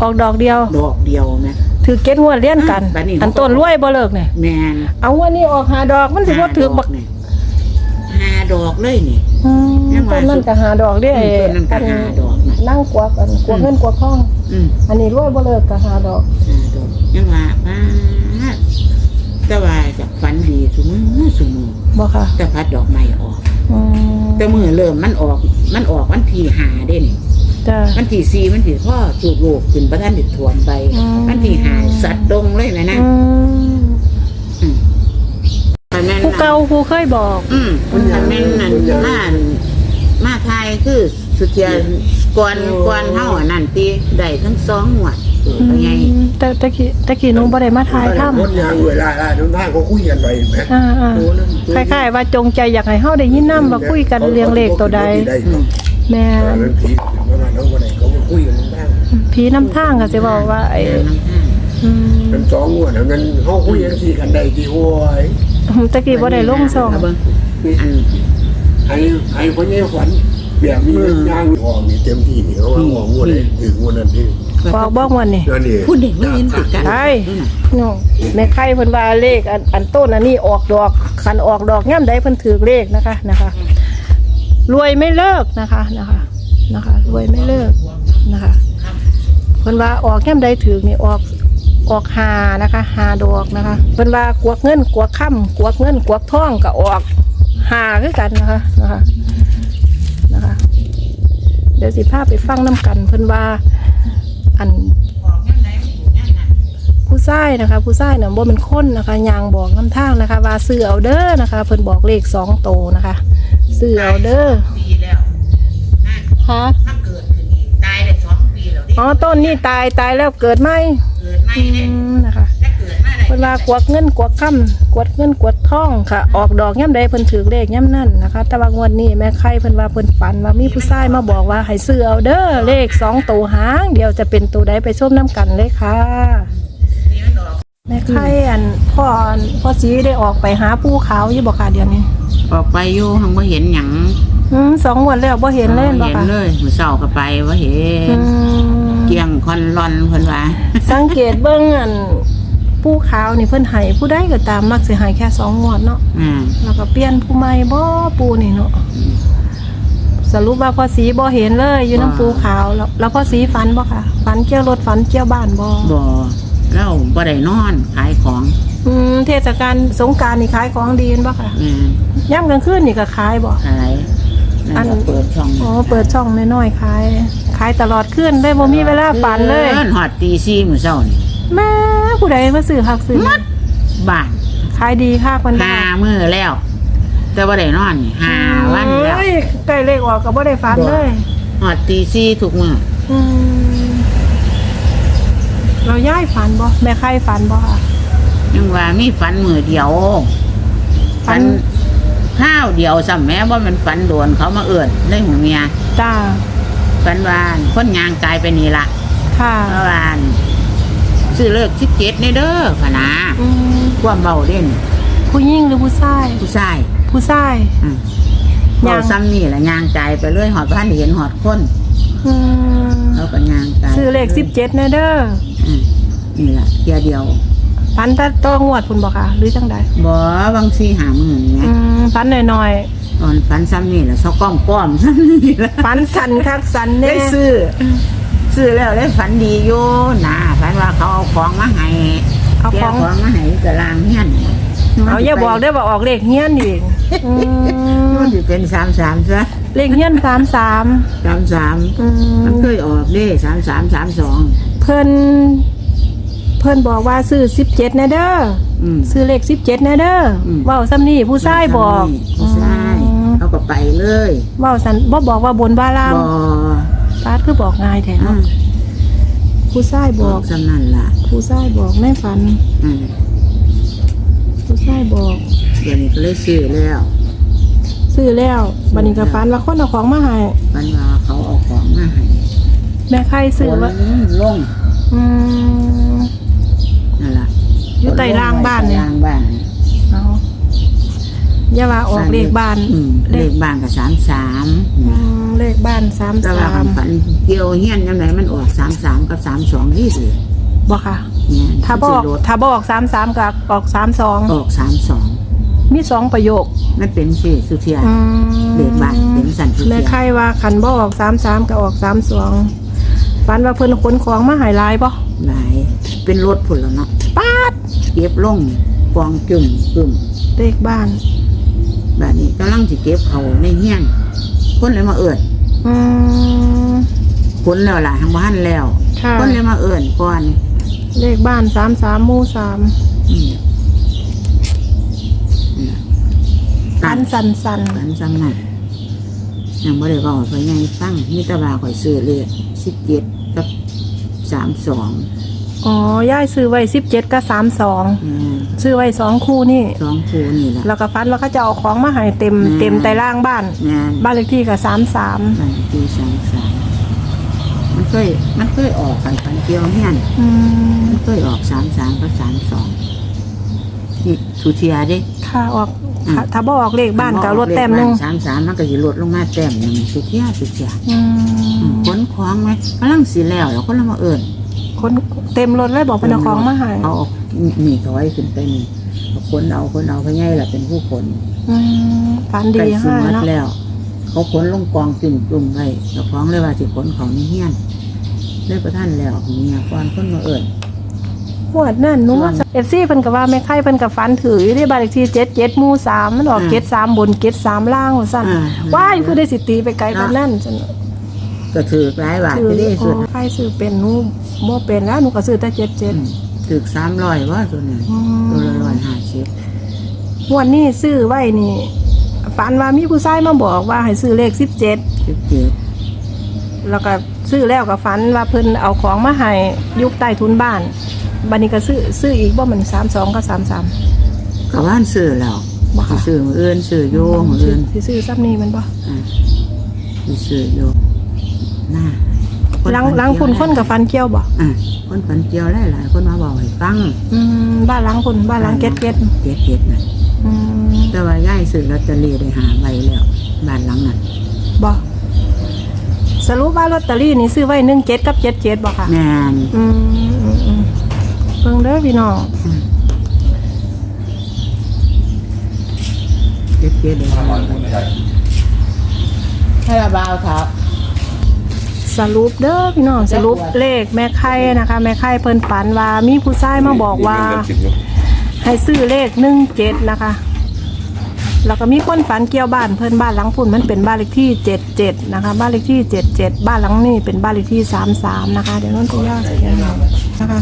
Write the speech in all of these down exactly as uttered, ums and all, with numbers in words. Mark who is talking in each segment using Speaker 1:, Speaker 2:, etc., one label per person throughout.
Speaker 1: ออกดอกเดียว
Speaker 2: ดอกเดียวแม่
Speaker 1: ถือเก็ดงวดเลี้ยนกันอันต้นรวยบ่เลิกเนี่ย
Speaker 2: แม่น
Speaker 1: เอาวันนี้ออกหาดอกมันสิบ่ถือบัก
Speaker 2: หาดอกเลยนี่
Speaker 1: อืมต้นนั้นก็หาดอกเด้ต้นนั้นก็หาดอกนั่งกวักอันกวักเงินกวักทองอืมอันนี้รวยบ่เลิกก็หาดอก
Speaker 2: หาดอกยังว่าป้าแต่ว่าจากฝันดีซุมื้อซุมื้อ
Speaker 1: บ่ค่ะ
Speaker 2: แต่พัดดอกไม้ออกอืมแต่มื้อเริ่มมันออกมันออกวันที่ห้าเด้นี่จ้ะวันที่สี่มันสิพ่อจูบโลกขึ้นบ่ทันได้ท่วมไปวันที่ห้าสัตว์ดงเลยแม่นะอืม
Speaker 1: ผู้เก่าผู้เคยบอก
Speaker 2: อืมถ้าแม่นนั่นมามาไทยคือสุเทียก่อนก่อนเฮาอันนั้นติได้ทั้งสองงวดเป็นไง
Speaker 1: แต่ตะกี้ตะกี้หนูบ่ได้มาถ่ายทำ
Speaker 3: คนยังเวลาๆทุกท่านเขาคุยกันไว้แม่
Speaker 1: อ่าๆคล้ายๆว่าจงใจอยากให้เฮาได้ยินนำว่าคุยกันเรื่องเลขตัวใดแม่
Speaker 3: ผีประมาณนั้นบ่ได้เขาคุยกันบ้าง
Speaker 1: ผีนำทางก็สิบอกว่าไอ้
Speaker 3: อืมเป็นสองงวดนั้นเฮาคุยกันสิกันได้ที่โอ้ย
Speaker 1: ตะกี้บ่ได้ลงซอง
Speaker 2: อัน
Speaker 3: ให้ให้คนนี้ฝันแบบนี้ย่างออกนี่เต็มที่นี่เขาว่าออกงวดเลยถึงงวดนั้นที่
Speaker 1: ออกบอกวันนี่
Speaker 2: พูดเด็กไม่เห็นติดกัน
Speaker 1: ใช่น้องแม่ไข่เพิ่นว่าเลขอันอันต้นอันนี้ออกดอกคันออกดอกย่ำใดเพิ่นถือเลขนะคะนะคะรวยไม่เลิกนะคะนะคะนะคะรวยไม่เลิกนะคะเพิ่นว่าออกย่ำใดถือนี่ออกออกหานะคะหาดอกนะคะเพิ่นว่ากวกเงินกวกค่ำกวกเงินกวกทองก็ออกหาคือกันนะคะนะคะนะคะเดี๋ยวสิพาไปฟังน้ำกันเพิ่นว่าอันผู้ชายนะคะผู้ชายเนี่ยบ่เป็นคนนะคะยางบอกน้ำทางนะคะว่าซื้อเอาเด้อนะคะเพิ่นบอกเลขสองโตนะคะซื้อเอาเด้อฮะ
Speaker 2: เกิดขึ้นอีกตายได้สองปีแล้ว
Speaker 1: อ๋อต้นนี่ตายตายแล้วเกิดใหม่
Speaker 2: เกิดใหม่เนี่ย
Speaker 1: นะคะเพิ่นว่ากวกเงินกวกค่ำกวดเงินกวดทองค่ะออกดอกย่ำใดเพิ่นถือเลขย่ำนั่นนะคะแต่ว่างวดนี้แม่ไข่เพิ่นว่าเพิ่นฝันว่ามีผู้ชายมาบอกว่าให้ซื้อเอาเด้อเลขสองตัวหางเดี๋ยวจะเป็นตัวใดไปชมน้ำกันเลยค่ะแม่ไข่อันพ่อพ่อสีได้ออกไปหาปูขาวอยู่บ่ค่ะเดี๋ยวนี้
Speaker 2: ออกไปอยู่หังบ่เห็นหยัง
Speaker 1: อืมสองวันแล้วบ่เห็นเลยบ่ค่ะ
Speaker 2: เห็นเลยมื้อเช้าก็ไปบ่เห็นเกี่ยงคอนรอนเพิ่นว่า
Speaker 1: สังเกตเบิ่งอันปูขาวนี่เพิ่นให้ผู้ใดก็ตามมักสิให้แค่สองงวดเนาะอืมแล้วก็เปลี่ยนผู้ใหม่บ่ปูนี่เนาะสรุปว่าพ่อสีบ่เห็นเลยอยู่น้ำปูขาวแล้วแล้วพ่อสีฝันบ่ค่ะฝันเกี่ยวรถฝันเกี่ยวบ้านบ่
Speaker 2: บ่แล้วบ่ได้นอนขายของ
Speaker 1: อืมเทศกาลสงกรานต์นี่ขายของดีบ่ค่ะอืมยามกลางคืนนี่ก็ขายบ่
Speaker 2: ขายอันเปิดช่อง
Speaker 1: อ๋อเปิดช่องน้อยๆขายขายตลอดคืนได้บ่มีเวลาฝันเลย
Speaker 2: ฮอดตีสี่มื้อเช้านี่
Speaker 1: แม่ผู้ใดมาซื้อคักซื้อ
Speaker 2: มัดบ้าน
Speaker 1: ขายดีค่ะคน
Speaker 2: ห้ามื้อแล้วแต่บ่ได้นอนนี่ห้าวันแล้ว
Speaker 1: ใกล้เลขออกก็บ่ได้ฝันเลย
Speaker 2: ฮอดตีสี่ทุกมื้ออืม
Speaker 1: เราย้ายฝันบ่แม่ไข่ฝันบ่ค่ะ
Speaker 2: ยังว่ามีฝันมื้อเดียวฝันข้าวเดียวซ้ำแม้ว่ามันฝันโดนเขามาเอิ้นในหูเมีย
Speaker 1: จ้า
Speaker 2: ฝันว่าคนยางตายไปนี่ล่ะ
Speaker 1: ค่ะ
Speaker 2: เพราะว่าซื้อเลิกสิบเจ็ดนี่เด้อพะนะความเบาเด่น
Speaker 1: ผู้หญิงหรือผู้ชาย
Speaker 2: ผู้ชาย
Speaker 1: ผู้ชาย
Speaker 2: ยางซ้ำนี่แหละยางใจไปเรื่อยหอดบ้านเห็นหอดคนแล้วก็ยางใจ
Speaker 1: ซื้อเลขสิบเจ็ดนี่เด้อ
Speaker 2: นี่แหละเดียวเดียว
Speaker 1: ฟันตัดตัวงวดคุณบอกค่ะหรือจังใด
Speaker 2: บ่บางซีหามือไง
Speaker 1: ฟันหน่อย
Speaker 2: ๆตอนฟันซ้ำนี่แหละเขาก้อมก้อมซ้ำนี่แหละ
Speaker 1: ฟันสันคักสันเนี่ย
Speaker 2: ได้ซื้อซื้อแล้วได้ฝันดีอยู่นะฝันว่าเขาเอาของมาให้เอาของมาให้กระลางเฮี้ยน
Speaker 1: เอาอย่าบอกได้ว่าออกเลขเฮี้ยนอีก
Speaker 2: มันจะเป็นสามสามซะ
Speaker 1: เลขเฮี้ยนสามสาม
Speaker 2: สามสามมันเคยออกได้สามสามสามสอง
Speaker 1: เพิ่นเพิ่นบอกว่าซื้อสิบเจ็ดนะเด้อซื้อเลขสิบเจ็ดนะเด้อว่าวซ้ำนี่ผู้ชายบอก
Speaker 2: ผู้ชายเขาก็ไปเลย
Speaker 1: ว่าวสันบ่บอกว่าบนบ้าล่างป้าคือบอกง่ายแท้ผู้ชายบอก
Speaker 2: สำนันล่ะ
Speaker 1: ผู้ชายบอกไม่ฝันผู้ชายบอก
Speaker 2: เดี๋ยวนี้ก็เลยซื้อแล้ว
Speaker 1: ซื้อแล้วบัดนี้ก็ฝันว่าคนเอาของมาให้
Speaker 2: ฝันว่าเขาเอาของมาให้
Speaker 1: แม่ไข่ซื้อว่า
Speaker 2: ลงนั่นแหละ
Speaker 1: อยู่ใต้รางบ้านเนี่ย
Speaker 2: รางบ้าน
Speaker 1: เอาอย่าว่าออกเลขบ้าน
Speaker 2: เลขบ้านกับสามสาม
Speaker 1: เลขบ้านสาม
Speaker 2: แต่ว่า
Speaker 1: สาม
Speaker 2: ฝันเกี่ยวเฮียนยังไงมันออกสามสามกับสามสองนี่สิ
Speaker 1: บ่ค่ะ
Speaker 2: เนี่ย
Speaker 1: ถ้าบอกถ้าบอกสามสามกับออกสามสอง
Speaker 2: ออกสามสอง
Speaker 1: มีสองประโยค
Speaker 2: มันเป็นสิสุเทีย
Speaker 1: อืม
Speaker 2: เลขบ้านเป็นสันสุ
Speaker 1: แม่
Speaker 2: เทีย
Speaker 1: ไข่ว่าขันบ่ออกสามสามก็ออกสามสองฝันว่าเพิ่นขนของมาใหายลายบ่
Speaker 2: หลายเป็นรถผุนแล้วเนาะ
Speaker 1: ป๊าด
Speaker 2: เก็บลงกองจุ่มกึ่ม
Speaker 1: เลขบ้าน
Speaker 2: แบบนี้กำลังสิเก็บเขาในเฮียนคนเลยมาเอิญ
Speaker 1: อืม
Speaker 2: คนแล้วล่ะทางบ้านแล้ว
Speaker 1: ค่ะ
Speaker 2: คนเลยมาเอิญก่อน
Speaker 1: เลขบ้านสามสามหมู่สาม
Speaker 2: อืมนี่ล่ะ
Speaker 1: อันสันสัน
Speaker 2: กันซ้ำนั่นยังไม่ได้บอกไปยังฟังมิตรบาข่อยซื้อเลยสิบเจ็ดกับสามสอง
Speaker 1: อ๋อย่ายซื้อไว้สิบเจ็ดกับสามสองซื้อไว้สองคู่นี่
Speaker 2: สองคูนี่แหละ
Speaker 1: แล้วก็ฟันว่าเขาจะเอาของมาให้เต็ม
Speaker 2: อืม
Speaker 1: เต็มใต้ล่างบ้าน
Speaker 2: งาน
Speaker 1: บ้านเลขที่กับสามสาม
Speaker 2: บันทีสามสามมันเคยมันเคยออกกันพันเกียวเฮียน
Speaker 1: อืม
Speaker 2: มันเคยออกสามสามกับสามสองนี่ทูเทียดิ
Speaker 1: ถ้าออกถ้าถ้าบ่ออกเลขบ้านก็ลดแต้มหนึง
Speaker 2: สามสามมันก็จะลดลงมาแต้มหนึ่งทูเทียทูเทีย
Speaker 1: อืม
Speaker 2: ขนของไหมกำลังสีแล้วแล้วก็เรามาเอิญ
Speaker 1: คนเต็มรถเลยบอกเป็นเอาของมาให้
Speaker 2: เอามีถอยขึ้นไปนี่เอาคนเอาคนเอาพะไงล่ะเป็นผู้คน
Speaker 1: อืมฝันดี
Speaker 2: ไก่สุ
Speaker 1: ให้
Speaker 2: มัด
Speaker 1: เนาะ
Speaker 2: แล้ว เขาขนลงกองจุ่มจุ่มๆไว้เจ้าของเลยว่าสิขนของนี่เฮี้ยนเลยประท่านแล้วเมียก่อนคนมาเอิญ
Speaker 1: หวดนั่นหนู้นเอฟซีเพิ่นก็ว่าแม่ไข่เพิ่นก็ฝันถืออยู่ที่บ้านเลขที่เจ็ดเจ็ดหมู่สามมันออกเจ็ดสามบนเจ็ดสามล่างว่าซั่นว้ายคือได้สิตีไปไกลปานนั้นซั่น
Speaker 2: ก็ถือหลายบาท
Speaker 1: ถือ
Speaker 2: ไปได้
Speaker 1: อ๋
Speaker 2: สุด
Speaker 1: อใครซื้อเป็นหนูบ่เป็นแล้วหนูก็ซื้อแต่เจ็ดเจ็ด
Speaker 2: ถือสามร้อยว่าตัวนี้ตัวละร้อยห้าสิบ
Speaker 1: วันนี้ซื้อไว้นี่ฝันว่ามีผู้ชายมาบอกว่าให้ซื้อเลขสิบเจ็ด
Speaker 2: สิบเจ็ด
Speaker 1: แล้วก็ซื้อแล้วก็ฝันว่าเพิ่นเอาของมาให้ยุคใต้ทุนบ้านบัดนี้ก็ซื้อซื้ออีกบ่มันสามสองกับสามสาม
Speaker 2: กับว่านซื้อแล้ว
Speaker 1: บ่ค่ะ
Speaker 2: สิซื้อมืออื่นซื้อโยมืออื่น
Speaker 1: สิซื้อซับนี้มันบ่
Speaker 2: อ่าสิซื้อโยหน้า
Speaker 1: หลังหลังคุณคนกับฟันเกี่ยวบ่
Speaker 2: อ่าคนฝันเจียวหลายหลายๆคนมาบอกให้ฟัง
Speaker 1: อืมบ้านหลังคุณบ้านหลังเก็ดเก็ด
Speaker 2: เจ็ดเจ็ดน่ะ
Speaker 1: อืม
Speaker 2: แต่ว่าย่ายซื้อลอตเตอรี่ได้หาใบแล้วบ้านหลังนั้น
Speaker 1: บ่สรุปว่าลอตเตอรี่นี่ซื้อไว้หนึ่งเจ็ดกับเจ็ดเจ็ดบ่ค่ะ
Speaker 2: แม่น
Speaker 1: อืมอืมอืมเบิ่งเด้อพี่น้อง
Speaker 2: เจ็ดเจ็ดได้หาใบให้ระบาวครับ
Speaker 1: สรุปเด้อพี่น้องสรุปเลขแม่ไข่นะคะแม่ไข่เพิ่นฝันว่ามีผู้ชายมาบอกว่า ให้ซื้อเลขหนึ่งเจ็ดนะคะ แล้วก็มีคนฝันเกี่ยวบ้านเพิ่นบ้านหลังพุ่นมันเป็นบ้านเลขที่เจ็ดเจ็ดนะคะ บ้านเลขที่เจ็ดเจ็ดบ้านหลังนี้เป็นบ้านเลขที่สามสามนะคะ เดี๋ยวนั้นจะย่อใส่กันหน่อยนะคะ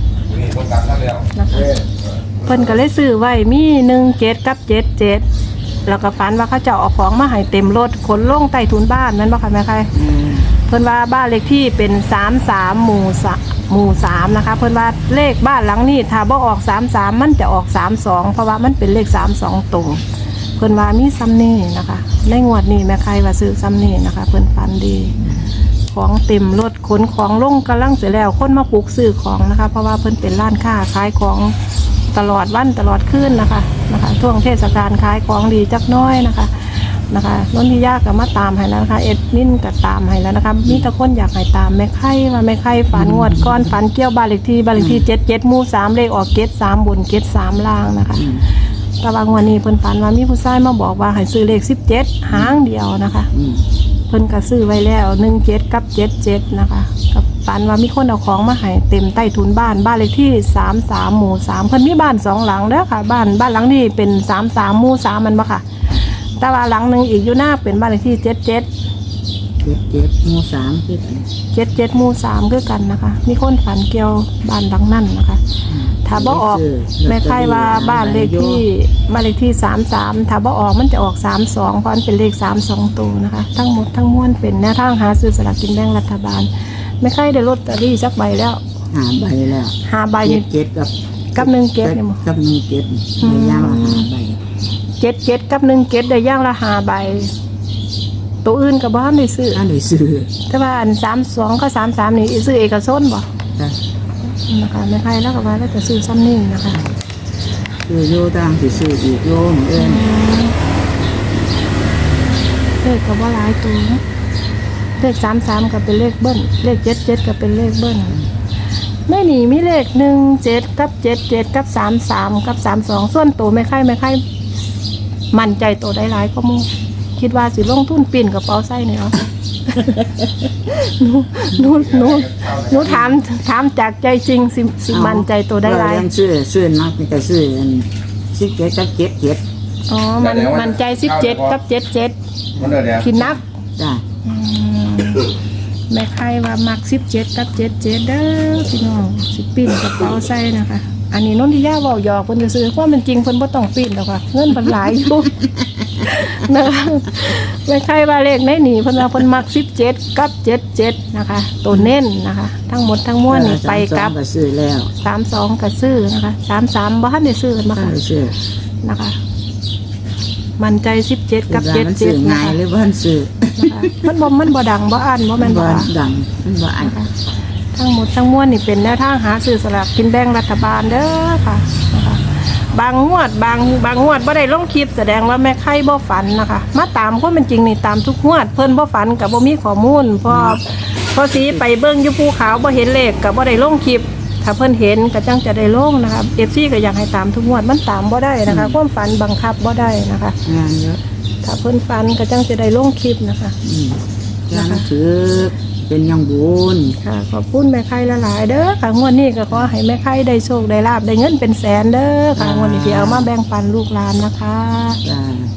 Speaker 1: นะคะเพิ่นก็เลยซื้อไว้มีหนึ่งเจ็ดกับเจ็ดเจ็ดแล้วก็ฝันว่าเขาจะเอาของมาให้เต็มรถขนลงใต้ถุนบ้านนั่นบ่คะแม่ไข่ เพิ่นว่าบ้านเลขที่เป็นสามสามหมู่สหมู่สามนะคะ เพิ่นว่าเลขบ้านหลังนี้ถ้าบ่ออกสามสามมันจะออกสามสองเพราะว่ามันเป็นเลขสามสองตรงเพิ่นว่ามีซ้ำนี่นะคะ ในงวดนี้แม่ใครว่าซื้อซ้ำนี่นะคะ เพิ่นฟันดี ของเต็มรถขนของลงกำลังเสร็จแล้วคนมาปลูกซื้อของนะคะ เพราะว่าเพิ่นเป็นร้านค้าขายของตลอดวันตลอดคืนนะคะนะคะช่วงเทศกาลขายของดีจักหน้อยนะคะ นะคะนนทิยาก็มาตามให้แล้วนะคะเอ็ดมินก็ตามให้แล้วนะคะมีแต่คนอยากให้ตามแม่ไข่ว่าแม่ไข่ฝันงวดก้อนฝันเกี่ยวบ้านเลขที่บ้านเลขที่เจ็ดเจ็ดหมู่สามเลขออกเจ็ดสามบนเจ็ดสามล่างนะคะแต่ว่างวดนี้เพิ่นฝันว่ามีผู้ชายมาบอกว่าให้ซื้อเลขสิบเจ็ดหางเดียวนะคะ
Speaker 2: อืม
Speaker 1: เพิ่นก็ซื้อไว้แล้วหนึ่งเจ็ดกับเจ็ดเจ็ดนะคะกับฝันว่ามีคนเอาของมาให้เต็มใต้ถุนบ้านบ้านเลขที่สามสามหมู่สามเพิ่นมีบ้านสองหลังเด้อค่ะ บ้านบ้านหลังนี้เป็นสามสามหมู่สามมันบ่ค่ะแต่ว่าหลังหนึ่งอีกอยู่หน้าเป็นบ้านเลขที่เจ็ดเจ็ด
Speaker 2: เจ็ดเจ็ดหมู่สามคือกัน
Speaker 1: เจ็ดเจ็ดหมู่สามคือกันนะคะ มีคนฝันเกี่ยวบ้านหลังนั่นนะคะ ถ้าบ่ออกแม่ไข่ว่าบ้านเลขที่บ้านเลขที่สามสามถ้าบ่ออกมันจะออกสามสองเพราะมันเป็นเลขสามสองตัวนะคะ ทั้งหมดทั้งมวลเป็นแนวทางหาซื้อสลากกินแบ่งรัฐบาลแม่ไข่ได้ลอตเตอรี่สักใบแล้ว
Speaker 2: หาใบแล้ว
Speaker 1: หาใบ
Speaker 2: เจ็ดเจ็ดกับ
Speaker 1: กับหนึ่งเก็ดเนี่ยมั้ง
Speaker 2: กับหนึ่งเจ็ดในย่างละหาใบ
Speaker 1: เจ็ดเจ็ดกับหนึ่งเก็ดได้ย่างละหาใบ ตัวอื่นกับบ้านได้ซื้อ
Speaker 2: ถ้าได้ซื้อ
Speaker 1: แต่ว่าอันสามสองก็สามสามนี่ซื้อเอกชนบ่
Speaker 2: จ้ะ
Speaker 1: นะคะแม่ไข่แล้วก็ว่าแล้วจะซื้อซ้ำนี่นะคะ
Speaker 2: ซื้อโยต่างสิซื้ออีกโยเหมือนเอิ้น
Speaker 1: เลขก็ว่าหลายตัวนะเลขสามสามก็เป็นเลขเบิ้ลเลขเจ็ดเจ็ดก็เป็นเลขเบิ้ลไม่หนีมีเลขหนึ่งเจ็ดกับเจ็ดเจ็ดกับสามสามกับสามสองส่วนตัวไม่ค่ายไม่ค่ายมั่นใจตัวได้หลายก็มู่คิดว่าสิลงทุนปีนกระเป๋าไส้เนี่ยเหรอ หนูหนูหนูหนูถามถามจากใจจริงสิสิมั่นใจตัวได้หลาย
Speaker 2: เรายังซื้อซื้อนักนี่ก็ซื้ออันสิบเจ็ดกับเจ็ดเจ็ด
Speaker 1: อ๋อมันมั่นใจสิบเจ็ดกับเจ็ดเจ็ด
Speaker 3: มันเดี๋ยว
Speaker 1: คิดนัก
Speaker 2: จ้ะ
Speaker 1: อืมแม่ไข่ว่ามักสิบเจ็ดกับเจ็ดเจ็ดเด้อพี่น้องสิปีนกระเป๋าไส้นะคะ อันนี้นนทิยาเว้าหยอกเพิ่นจะซื้อความเป็นจริงเพิ่นบ่ต้องปีนดอกค่ะเงินเพิ่นหลายอยู่ นะคะแม่ไข่ว่าเลขในนี่เพิ่นว่าเพิ่นมักสิบเจ็ดกับเจ็ดเจ็ดนะคะตัวเน้นนะคะ ทั้งหมดทั้งมวลนี่ไปกับ
Speaker 2: ก็ซื้อแล้ว
Speaker 1: สามสองก็ซื้อนะคะสามสามบ่ทันได้ซื้อกันมา
Speaker 2: ก็
Speaker 1: ค่ะ
Speaker 2: ซื้อ
Speaker 1: นะคะ มั่นใจสิบเจ็ดกับ
Speaker 2: มัน
Speaker 1: เจ็ด
Speaker 2: ซื้
Speaker 1: เจ็
Speaker 2: อ
Speaker 1: ดนะ
Speaker 2: ง่าย
Speaker 1: คะ
Speaker 2: หรือว่ามันซื้อ
Speaker 1: นะคะมันบ่มันบ่ดังบ่อันบ่
Speaker 2: มั
Speaker 1: แม่
Speaker 2: น
Speaker 1: นบ่
Speaker 2: บ่
Speaker 1: ค่ะ
Speaker 2: ดังมันบ่อัน
Speaker 1: ทั้งหมดทั้งมวลนี่เป็นแนวทางหาซื้อสลากกินแบ่งรัฐบาลเด้อค่ะนะคะบางงวดบางบางงวดบ่ได้ลงคลิปแสดงว่าแม่ไข่บ่ฝันนะคะมาตามความเป็นจริงนี่ตามทุกงวดเพิ่นบ่ฝันก็บ่มีข้อมูลพอพอสีไปเบิ่งอยู่ภูเขาบ่เห็นเลขก็บ่ได้ลงคลิปถ้าเพิ่นเห็นก็จังจะได้ลงนะคะ เอฟ ซี ก็อยากให้ตามทุกงวดมันตามบ่ได้นะคะความฝันบังคับบ่ได้นะคะ
Speaker 2: งานเยอะ
Speaker 1: ถ้าเพิ่นฝันก็จังจะได้ลงคลิปนะคะ
Speaker 2: อืมงานถือเป็นยังบุญ
Speaker 1: ค่ะขอบคุณแม่ไข่หลายๆเด้อค่ะงวดนี้ก็ขอให้แม่ไข่ได้โชคได้ลาบได้เงินเป็นแสนเด้อค่ะงวดนี้ที่เอามาแบ่งปันลูกหลานนะคะ
Speaker 2: จ้า